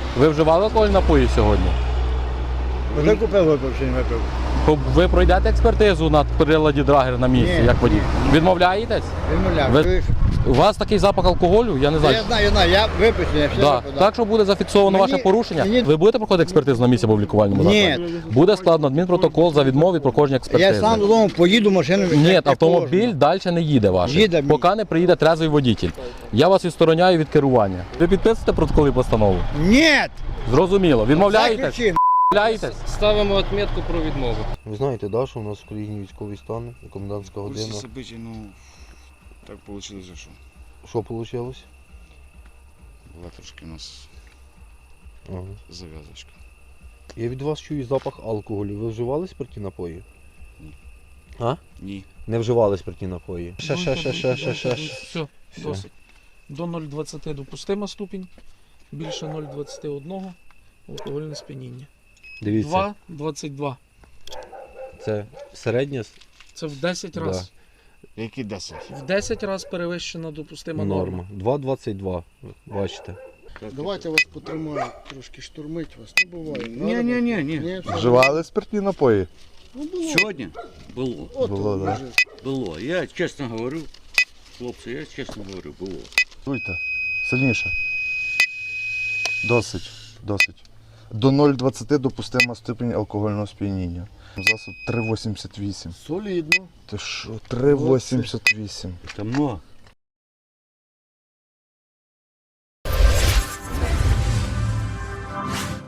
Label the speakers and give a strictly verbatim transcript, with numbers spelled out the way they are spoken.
Speaker 1: Ви вживали алкогольні напої сьогодні?
Speaker 2: Вже купив випив чи не випив?
Speaker 1: Ви пройдете експертизу на приладі Драгер на місці,
Speaker 2: Ні.
Speaker 1: як водій? Відмовляєтесь?
Speaker 2: Відмовляв.
Speaker 1: Ви- У вас такий запах алкоголю? Я не знаю.
Speaker 2: Я знаю, я знаю, я виписаний, я все
Speaker 1: Да.
Speaker 2: випив.
Speaker 1: Так що буде зафіксовано
Speaker 2: Мені-
Speaker 1: ваше порушення.
Speaker 2: мені-
Speaker 1: Ви будете проходити експертизу на місці або в лікувальному
Speaker 2: Ні.
Speaker 1: закладі? Буде складно адмінпротокол за відмову від проходження експертизи.
Speaker 2: Я сам додому поїду, машину
Speaker 1: Ні,
Speaker 2: як
Speaker 1: автомобіль
Speaker 2: положено.
Speaker 1: далі не їде ваш,
Speaker 2: Їде.
Speaker 1: поки не приїде трезвий водій. Я вас відстороняю від керування. Ви підписуєте протокол і постанову?
Speaker 2: Ні!
Speaker 1: Зрозуміло. Відмовляєтесь?
Speaker 2: Закричи,
Speaker 1: Відмовляєтесь?
Speaker 3: Ставимо відмітку про відмову.
Speaker 4: Ви знаєте, да, що у нас в країні військовий стан, і комендантська
Speaker 5: В курсе
Speaker 4: година.
Speaker 5: событий, ну, так получилось, что
Speaker 4: Що вийшло?
Speaker 5: была трошки у нас
Speaker 4: Ага.
Speaker 5: завязочка.
Speaker 4: Я від вас чую запах алкоголю. Ви вживали спиртні напої?
Speaker 5: Ні.
Speaker 4: А?
Speaker 5: Ні.
Speaker 4: Не вживали спиртні напої. Ще, ще, ще, ще, ще, ще. ще.
Speaker 6: Все, досить. До нуль двадцять допустима ступінь, більше нуль двадцять один алкогольне сп'яніння.
Speaker 4: Дивіться,
Speaker 6: два двадцять два.
Speaker 4: це середня
Speaker 6: Це в десять
Speaker 4: Да.
Speaker 6: разів.
Speaker 5: Які десять?
Speaker 6: В десять разів перевищена допустима норма.
Speaker 4: норма. два двадцять два. Бачите.
Speaker 7: Давайте вас потримаю, трошки штурмить вас. Не буває.
Speaker 5: Ні, ні, ні, ні.
Speaker 7: Ні, все.
Speaker 8: Вживали спиртні напої?
Speaker 7: Ну, було.
Speaker 9: Сьогодні було.
Speaker 7: От,
Speaker 8: Було, да.
Speaker 7: може.
Speaker 9: Було. Я чесно говорю, хлопці, я чесно говорю, було.
Speaker 8: Дуйте. Сильніше. Досить. Досить. До нуль двадцять допустима ступінь алкогольного сп'яніння. Засоб три вісімдесят вісім.
Speaker 7: Солідно.
Speaker 8: Ти що? три вісімдесят вісім.
Speaker 9: Це много.